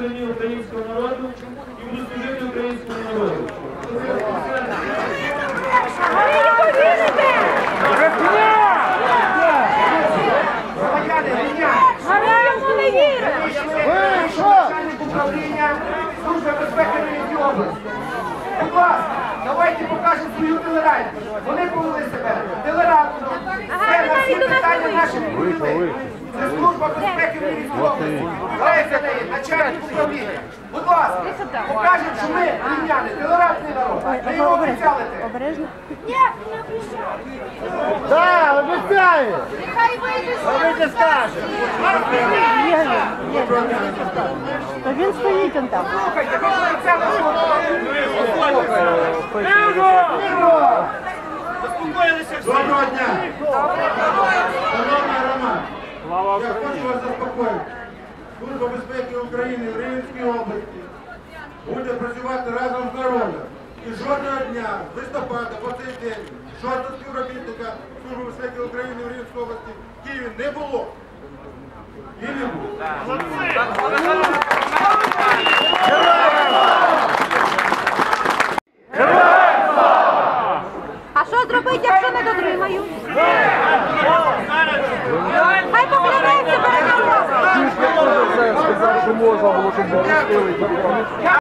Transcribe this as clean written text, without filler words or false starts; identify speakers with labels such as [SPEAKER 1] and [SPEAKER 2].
[SPEAKER 1] стороні українського народу і буду служити українському народу.
[SPEAKER 2] Ви не повірите! Ми йому не віримо!
[SPEAKER 3] Начальник управління Служби безпеки Рівненської області. Будь ласка, давайте покажемо свою толерантність. Вони повели себе толерантно. Це на всі питання наших відповіли. Це Служба безпеки Рівненської області. Леся неї, начальник управління. Будь ласка, покажемо, що ми, рівняни, толерантний народ. Ми його обіцяли.
[SPEAKER 2] Обережно. Ні, не обіцяли.
[SPEAKER 4] Так, обіцяю!
[SPEAKER 2] Нехай вийде
[SPEAKER 4] Давайте скажемо.
[SPEAKER 2] То він стоїть он там.
[SPEAKER 3] Слухайте, ви ж обіцяли,
[SPEAKER 4] Доброго дня! Шановний Роман, я хочу вас заспокоїти. Служба безпеки України в Рівненській області буде працювати разом з народом. І жодного дня, з листопада по цей день, жодного співробітника Служби безпеки України в Рівненській області в Києві не було. І не було.
[SPEAKER 2] А що зробити, якщо не дотримаю? Хай поклянеться перед народом!
[SPEAKER 5] Сказав, що можна було, щоб не пустили.